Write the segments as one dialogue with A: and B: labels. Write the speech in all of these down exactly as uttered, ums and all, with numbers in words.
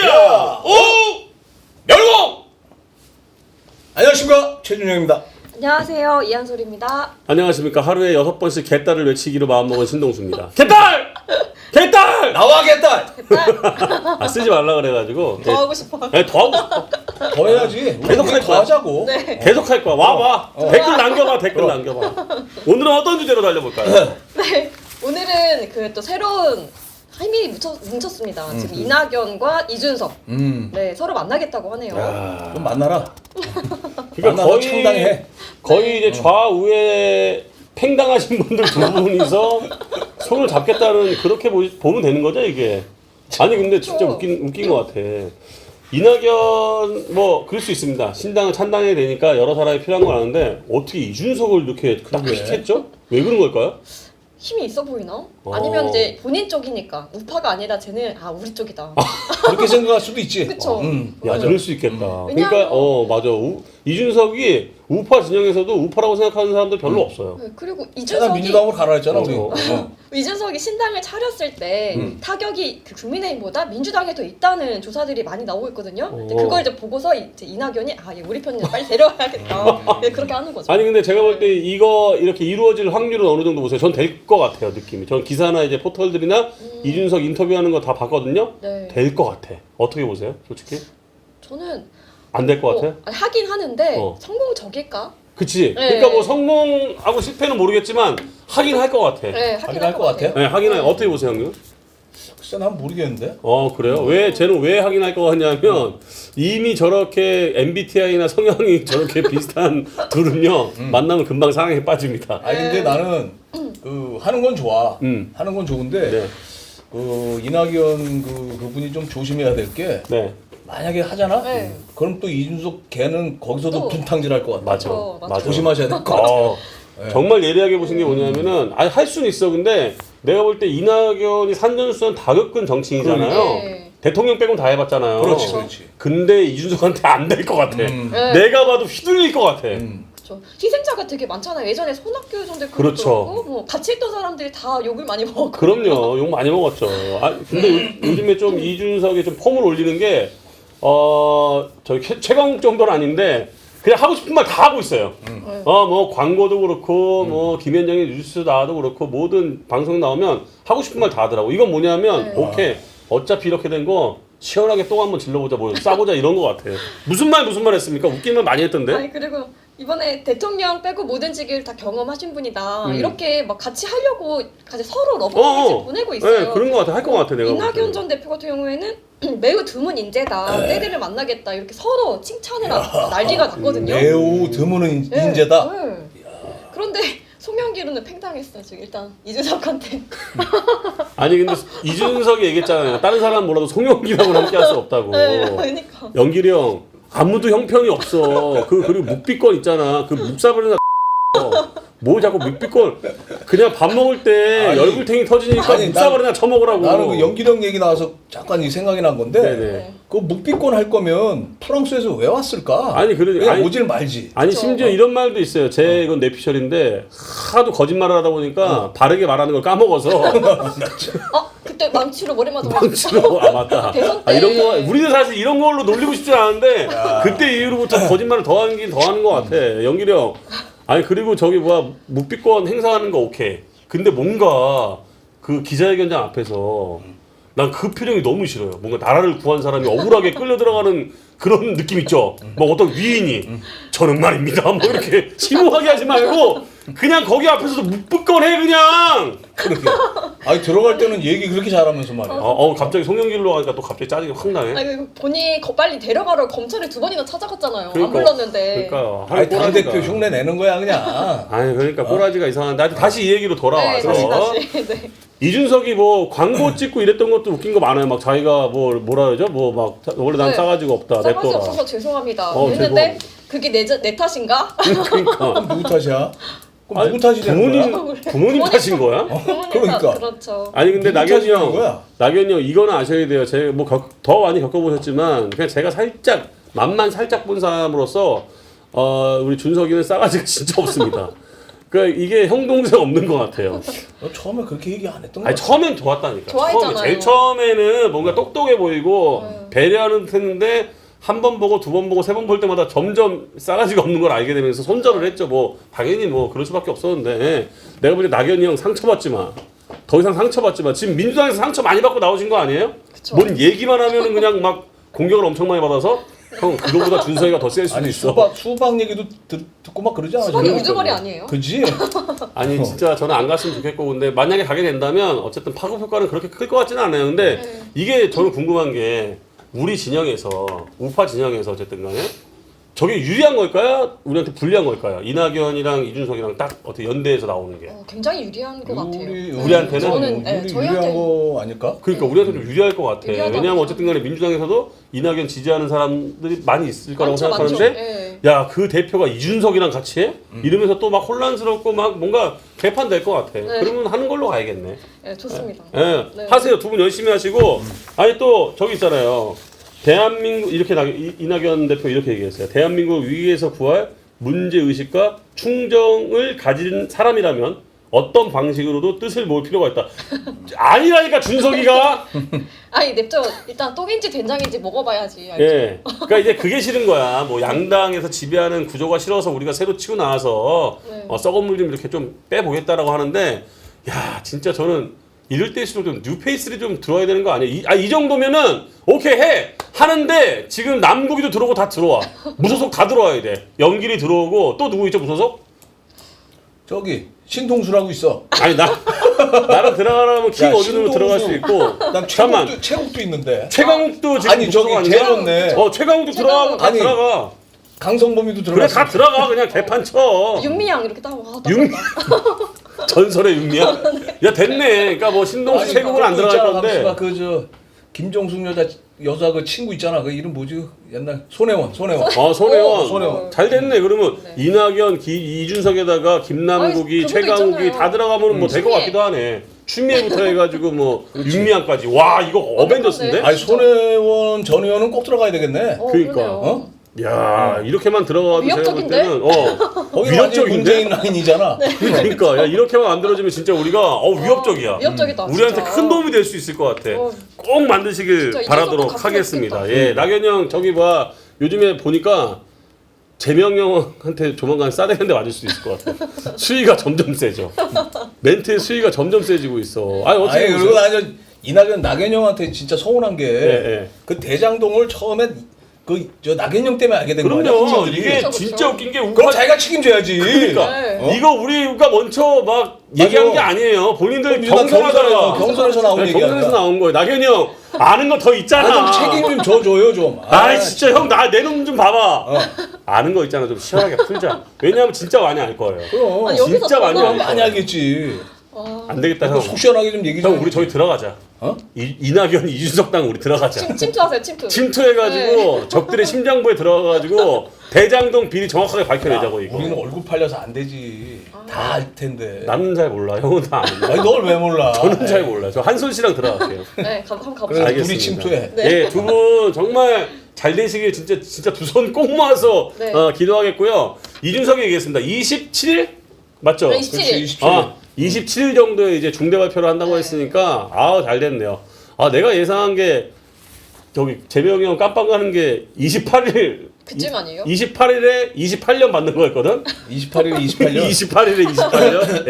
A: 야! 오! 열공! 안녕하십니까, 최준영입니다.
B: 안녕하세요, 이한솔입니다.
C: 안녕하십니까. 하루에 여섯 번씩 개딸을 외치기로 마음먹은 신동수입니다. 개딸! 개딸!
A: 나와, 개딸!
C: 아, 쓰지 말라 그래가지고.
B: 더 하고 싶어.
C: 네, 더 하고 싶어.
A: 더 해야지.
C: 계속 할
A: 더
C: 거야.
A: 하자고.
B: 네.
C: 계속 할 거야. 와, 와.
A: 어.
C: 댓글 남겨봐, 댓글
A: 어.
C: 남겨봐. 오늘은 어떤 주제로 달려볼까요?
B: 네. 오늘은 그 또 새로운 힘이 뭉쳐, 뭉쳤습니다. 지금 이낙연과 이준석.
A: 음.
B: 네, 서로 만나겠다고 하네요.
C: 야.
A: 좀 만나라.
C: 그러니까
A: 만나서
C: 거의,
A: 창당해.
C: 거의 이제 좌우에 팽당하신 분들 두 분이서 손을 잡겠다는 그렇게 보, 보면 되는 거죠, 이게? 아니, 근데 진짜
B: 그렇죠.
C: 웃긴, 웃긴 것 같아. 이낙연, 뭐, 그럴 수 있습니다. 신당을 찬당해야 되니까 여러 사람이 필요한 건 아는데, 어떻게 이준석을 이렇게 딱
A: 그러게.
C: 픽했죠? 왜 그런 걸까요?
B: 힘이 있어 보이나?
C: 어.
B: 아니면 이제 본인 쪽이니까 우파가 아니라 쟤는 아 우리 쪽이다.
A: 그렇게 생각할 수도 있지.
B: 그쵸.
A: 음.
C: 야,
B: 맞아.
C: 그럴 수 있겠다.
B: 음.
C: 그러니까,
B: 왜냐하면-
C: 어, 맞아. 우, 이준석이 우파 진영에서도 우파라고 생각하는 사람들 별로 없어요.
B: 네, 그리고
A: 제가
B: 이준석이
A: 민주당으로 가라 했잖아, 우리.
C: 어.
A: 어.
B: 이준석이 신당을 차렸을 때
C: 음.
B: 타격이 그 국민의힘보다 민주당에 더 있다는 조사들이 많이 나오고 있거든요. 근데
C: 어.
B: 그걸 이제 보고서 이제 이낙연이 아, 얘 우리 편이야 빨리 데려와야겠다. 네, 그렇게 하는 거죠.
C: 아니 근데 제가 볼 때 이거 이렇게 이루어질 확률은 어느 정도 보세요. 전 될 것 같아요, 느낌이. 전 기사나 이제 포털들이나
B: 음.
C: 이준석 인터뷰하는 거 다 봤거든요.
B: 네.
C: 될 것 같아. 어떻게 보세요, 솔직히?
B: 저는
C: 안 될 것 같아?
B: 어, 아니, 하긴 하는데
C: 어.
B: 성공적일까?
C: 그치?
B: 네.
C: 그러니까 뭐 성공하고 실패는 모르겠지만 하긴 할 것 같아.
B: 네,
A: 하긴
B: 하긴
A: 할 것 같아요?
C: 네, 하긴 할. 어떻게 보세요, 형님?
A: 글쎄, 난 모르겠는데.
C: 어 그래요? 왜 쟤는 왜 하긴 할 것 같냐면 이미 저렇게 엠비티아이나 성향이 저렇게 비슷한 둘은요 만나면 금방 사랑에 빠집니다.
A: 아니, 근데 나는 그 하는 건 좋아.
C: 음.
A: 하는 건 좋은데,
C: 네,
A: 그 이낙연 그, 그분이 좀 조심해야 될 게,
C: 네,
A: 만약에 하잖아?
B: 네.
A: 그럼 또 이준석 걔는 거기서도
B: 또.
A: 분탕질 할 것 같아.
C: 맞아,
B: 어, 맞아.
C: 맞아.
A: 조심하셔야 될 것 같아.
C: 어,
A: 네.
C: 정말 예리하게 보신 게 뭐냐면은 아니 할 수는 있어. 근데 내가 볼 때 이낙연이 산전수전 다 겪은 정치인이잖아요.
B: 네.
C: 대통령 빼곤 다 해봤잖아요.
A: 그렇지, 그렇지.
C: 근데 이준석한테 안 될 것 같아.
A: 음.
B: 네.
C: 내가 봐도 휘둘릴 것 같아.
A: 음.
B: 그렇죠. 희생자가 되게 많잖아요. 예전에 손학규 전 대표
C: 그렇죠.
B: 그렇고 뭐 같이 있던 사람들이 다 욕을 많이 먹었고.
C: 그럼요. 욕 많이 먹었죠. 아, 근데 요, 요즘에 좀 이준석이 좀 폼을 올리는 게, 어, 저기 최- 최강욱 정도는 아닌데, 그냥 하고 싶은 말 다 하고 있어요.
B: 네.
C: 어, 뭐, 광고도 그렇고, 뭐, 김현정의 뉴스 나와도 그렇고, 모든 방송 나오면 하고 싶은 말 다 하더라고. 이건 뭐냐면,
B: 네.
C: 오케이. 어차피 이렇게 된 거, 시원하게 똥 한번 질러보자, 뭐, 싸보자, 이런 거 같아. 무슨 말, 무슨 말 했습니까? 웃긴 말 많이 했던데?
B: 아니 그리고 이번에 대통령 빼고 모든 직위를 다 경험하신 분이다.
C: 음.
B: 이렇게 막 같이 하려고 같이 서로 러브
C: 어,
B: 메시지
C: 어.
B: 보내고 있어요.
C: 네, 그런 거 같아. 할 거 같아, 내가. 볼
B: 이낙연
C: 때는.
B: 전 대표 같은 경우에는 매우 드문 인재다. 때들을 만나겠다. 이렇게 서로 칭찬을 하- 난리가 났거든요.
A: 매우 드문 인-
B: 네,
A: 인재다.
B: 네. 그런데 송영길은 팽당했어 지금 일단 이준석한테.
C: 아니, 근데 이준석이 얘기했잖아요. 다른 사람 몰라도 송영기라고 함께 할 수 없다고.
B: 네, 그러니까.
C: 연길이 형 아무도 형편이 없어. 그 그리고 묵비권 있잖아. 그 묵사버리나 뭐 자꾸 묵비권 그냥 밥 먹을 때
A: 아니,
C: 열불탱이 터지니까
A: 아니,
C: 묵사버리나 쳐먹으라고.
A: 나는 그 연기령 얘기 나와서 잠깐 이 생각이 난 건데,
C: 네네.
A: 그 묵비권 할 거면 프랑스에서 왜 왔을까?
C: 아니, 그러니-
A: 왜
C: 아니-
A: 오질 말지.
C: 아니
B: 그쵸.
C: 심지어 이런 말도 있어요. 제 이건 내피셜인데 하도 거짓말을 하다 보니까 바르게 말하는 걸 까먹어서
B: 어 그때 망치로 머리 맞아.
C: 망치로 아 맞다.
B: 대선
C: 아, 이런
B: 때.
C: 거 우리는 사실 이런 걸로 놀리고 싶지 않은데 그때 이후로부터 거짓말을 더 하긴 더 하는 것 같아. 연길이 형. 아니 그리고 저기 뭐야 묵비권 행사하는 거 오케이. 근데 뭔가 그 기자회견장 앞에서 난 그 표정이 너무 싫어요. 뭔가 나라를 구한 사람이 억울하게 끌려 들어가는 그런 느낌 있죠. 뭐 어떤 위인이 저는 말입니다. 뭐 이렇게 심오하게 하지 말고 그냥 거기 앞에서도 묵비권 해 그냥.
A: 그렇게. 아니, 들어갈 때는 얘기 그렇게 잘하면서 말이야.
C: 어, 어 갑자기 송영길로 가니까 또 갑자기 짜증이 확 나네.
B: 아니 그 본인이 거- 빨리 데려가러 검찰에 두 번이나 찾아갔잖아요.
C: 그러니까,
B: 안 불렀는데.
C: 그러니까
A: 아니,
C: 꼬라지가.
A: 당대표 흉내 내는 거야, 그냥.
C: 아니 그러니까 꼬라지가 이상한데 하여튼 다시 이 얘기로 돌아와서
B: 네, 다시 다시. 네.
C: 이준석이 뭐 광고 찍고 이랬던 것도 웃긴 거 많아요. 막 자기가 뭐 뭐라 그러죠? 뭐 막 원래 난
B: 네.
C: 싸가지가 없다.
B: 싸가지
C: 냅둬라.
B: 없어서 죄송합니다.
C: 어,
B: 했는데 그게 내, 자- 내 탓인가?
C: 그러니까
A: 그럼 누구 탓이야? 그럼
C: 아니,
A: 누구 탓이 되는
C: 부모님
A: 거야?
C: 부모님
B: 부모님
C: 탓인 거야?
B: 부모님
A: 그러니까.
B: 탓, 그렇죠.
C: 아니 근데
A: 누구
C: 낙연이
A: 탓이냐는
C: 형,
A: 거야?
C: 낙연이 형 이거는 아셔야 돼요. 제가 뭐더 많이 겪어보셨지만 그냥 제가 살짝 맛만 살짝 본 사람으로서 어 우리 준석이는 싸가지가 진짜 없습니다. 그러니까 이게 형 동생 없는 것 같아요.
A: 너 처음에 그렇게 얘기 안 했던 거
C: 아니
A: 같아.
C: 처음엔 좋았다니까.
B: 좋아했잖아요.
C: 처음에 제일 처음에는 뭔가 똑똑해 보이고
B: 네.
C: 배려하는 듯했는데 한 번 보고 두 번 보고 세 번 볼 때마다 점점 싸가지가 없는 걸 알게 되면서 손절을 했죠. 뭐 당연히 뭐 그럴 수밖에 없었는데 내가 볼 때 낙연이 형 상처받지 마. 더 이상 상처받지 마. 지금 민주당에서 상처 많이 받고 나오신 거 아니에요?
B: 그쵸.
C: 뭔 얘기만 하면은 그냥 막 공격을 엄청 많이 받아서 형 그거보다 준석이가 더 셀 수도
A: 아니
C: 있어.
A: 수박 수박 얘기도 듣, 듣고 막 그러지 않아?
B: 수박이
C: 그러니까요.
B: 우주머리 아니에요?
A: 그지?
C: 아니 진짜 저는 안 갔으면 좋겠고 근데 만약에 가게 된다면 어쨌든 파급 효과는 그렇게 클 것 같지는 않아요. 근데
B: 네.
C: 이게 저는 궁금한 게 우리 진영에서 우파 진영에서 어쨌든 간에 저게 유리한 걸까요? 우리한테 불리한 걸까요? 이낙연이랑 이준석이랑 딱 어떻게 연대해서 나오는 게
B: 어, 굉장히 유리한 것 같아요.
A: 우리
C: 우리한테는?
B: 저는 네,
A: 우리
B: 저희한테
A: 유리한 거 아닐까?
C: 그러니까 우리한테 좀 유리할 것 같아.
B: 유리하다고
C: 왜냐하면 어쨌든 간에 민주당에서도 이낙연 지지하는 사람들이 많이 있을 거라고
B: 많죠, 많죠.
C: 생각하는데
B: 네.
C: 야 그 대표가 이준석이랑 같이 해? 이러면서 또 막 혼란스럽고 막 뭔가 개판될 것 같아.
B: 네.
C: 그러면 하는 걸로 가야겠네.
B: 네, 좋습니다.
C: 예,
B: 네.
C: 하세요. 두 분 열심히 하시고 아니 또 저기 있잖아요. 대한민국 이렇게 나, 이, 이낙연 대표 이렇게 얘기했어요. 대한민국 위기에서 구할 문제 의식과 충정을 가진 사람이라면 어떤 방식으로도 뜻을 모을 필요가 있다. 아니라니까 준석이가.
B: 아니 냅둬 일단 똥인지 된장인지 먹어봐야지. 알죠?
C: 예. 그러니까 이제 그게 싫은 거야. 뭐 양당에서 지배하는 구조가 싫어서 우리가 새로 치고 나와서
B: 네.
C: 어, 썩은 물 좀 이렇게 좀 빼보겠다라고 하는데 야 진짜 저는 이럴 때일수록 좀 뉴페이스를 좀 들어야 되는 거 아니에요? 이, 아, 이 정도면은 오케이 해 하는데 지금 남국이도 들어오고 다 들어와. 무소속 다 들어와야 돼. 연길이 들어오고 또 누구 있죠 무소속?
A: 저기 신동수라고 있어.
C: 아니 나 나랑 들어가라면 킹
A: 야,
C: 어준으로 들어갈 수
A: 신동수.
C: 있고.
A: 난
C: 잠깐만.
A: 최국도 최국도 있는데.
C: 최강욱도 지금
A: 아니,
C: 무소속
A: 저기
C: 아니야?
A: 제줬네.
C: 어 최강욱도 들어가고 다
A: 아니,
C: 들어가.
A: 강성범이도
C: 그래
A: 들어갔어.
C: 다 들어가 그냥 개판 쳐.
B: 윤미향 이렇게 딱 와. 딱
C: 윤
B: 봤다.
C: 전설의 윤미야. 야 됐네. 그러니까 뭐 신동수 최국은 안 들어갈 건데.
A: 그저 김종숙 여자 여자 그 친구 있잖아. 그 이름 뭐지? 옛날 손혜원 손혜원.
C: 어 손혜원.
B: 오,
A: 손혜원.
C: 잘 됐네. 그러면
B: 네.
C: 이낙연, 기, 이준석에다가 김남국이,
B: 아니, 그분도
C: 최강욱이
B: 있잖아요.
C: 다 들어가면 뭐 될 것
B: 추미애.
C: 같기도 하네. 추미애부터 해가지고 뭐 윤미향까지. 와 이거 어벤져스인데?
A: 아니 손혜원 전 의원은 꼭 들어가야 되겠네.
B: 어,
C: 그러니까,
B: 그러네요.
A: 어?
C: 야 이렇게만 들어가도 제가 볼
B: 위협적인데?
C: 때는 어
A: 거기 완전 문재인
C: 위협적인데?
A: 라인이잖아.
C: 그러니까 야 이렇게만 만들어지면 진짜 우리가 어 위협적이야.
B: 위협적이다.
C: 우리한테
B: 진짜.
C: 큰 도움이 될 수 있을 것 같아.
B: 어.
C: 꼭 만드시길
B: 진짜
C: 바라도록
B: 이준석
C: 하겠습니다.
B: 같은
C: 예, 낙연 형 저기 봐 요즘에 보니까 재명 형한테 조만간 싸대는데 맞을 수 있을 것 같아. 수위가 점점 세져. 멘트의 수위가 점점 세지고 있어. 아니 어떻게
A: 아니
C: 보세요?
A: 그리고 나저 이낙연 나경영한테 진짜 서운한 게 그
C: 예, 예.
A: 대장동을 처음에 그 저 나경영 때문에 알게 된 거야.
C: 그럼요. 이게
B: 그쵸,
C: 진짜
B: 그쵸.
C: 웃긴 게
A: 그럼
C: 우파
A: 자기가 책임져야지.
C: 그러니까
B: 네.
A: 어?
C: 이거 우리가 먼저 막 얘기한 게 아니에요. 본인들
A: 그럼
C: 경선하다가
A: 경선에서- 경선에서 나온
C: 네,
A: 얘기야.
C: 경선에서 나온 거예요. 낙연이 형 아는 거 더 있잖아.
A: 아, 좀 책임 좀 져줘요 좀.
C: 아이 진짜 형 나 내 놈 좀 봐봐.
A: 어.
C: 아는 거 있잖아. 좀 시원하게 풀자. 왜냐하면 진짜 많이 알 거예요.
A: 그럼
B: 아니, 여기서
C: 진짜 많이
B: 저거
C: 알
A: 많이
C: 거예요.
A: 알겠지.
B: 와.
C: 안 되겠다 형.
A: 속 시원하게 좀 얘기 좀.
C: 형 우리 저기 들어가자.
A: 어?
C: 이, 이낙연 이준석 당 우리 들어가자.
B: 침, 침투하세요 침투.
C: 침투해가지고 적들의 심장부에 들어가가지고 대장동 비리 정확하게 밝혀내자고 이거.
A: 우리는 얼굴 팔려서 안 되지. 다 알 텐데.
C: 나는 잘 몰라. 형은 다 아는데.
A: 아니 널 왜 몰라?
C: 저는 잘 몰라. 저 한솔 씨랑 들어갈게요.
B: 네, 가, 한번
A: 그래
B: 가보시죠.
A: 둘이 침투해.
B: 네.
C: 예, 두 분 정말 잘 되시길 진짜 진짜 두 손 꼭 모아서
B: 네.
C: 어, 기도하겠고요. 이준석이 얘기했습니다. 이십칠 일 맞죠?
B: 네, 이십칠 일.
A: 그렇지, 이십칠 일.
C: 아, 이십칠 일 정도에 이제 중대 발표를 한다고
B: 네.
C: 했으니까 아우 잘 됐네요. 아 내가 예상한 게 저기 재명이 형 깜빵 가는 게 이십팔 일
B: 그쯤 아니에요?
C: 이십팔 일에 이십팔 년 받는 거였거든.
A: 이십팔 일 이십팔 년.
C: 이십팔 일에 이십팔 년.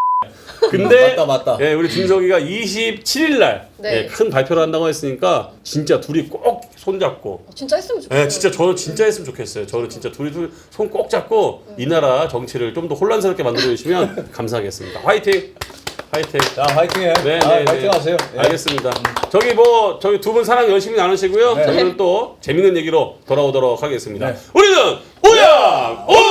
C: 근데
A: 맞다 맞다.
C: 예, 우리 준석이가 이십칠 일 날
B: 네.
C: 예, 큰 발표를 한다고 했으니까 진짜 둘이 꼭 손잡고
B: 어, 진짜 했으면 좋겠어요.
C: 예, 진짜 저는 진짜 했으면 좋겠어요. 저는 진짜 둘이 둘 손 꼭 잡고 이 나라 정치를 좀 더 혼란스럽게 만들어 주시면 감사하겠습니다. 화이팅! 화이팅!
A: 자 화이팅해.
C: 네,
A: 아,
C: 네, 네.
A: 화이팅하세요. 예.
C: 알겠습니다. 저기 뭐 저기 두 분 사랑 열심히 나누시고요.
A: 네.
C: 저희는 또 재밌는 얘기로 돌아오도록 하겠습니다.
A: 네.
C: 우리는 오야 오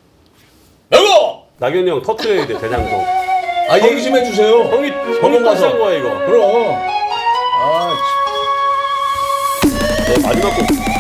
A: 여보.
C: 낙연이 형 터트려야 돼 대장동.
A: 아 얘기 좀 해주세요.
C: 형이 형이
A: 방금 가서.
C: 터트린 거야 이거.
A: 그럼. 아.
C: 네, 마지막 곡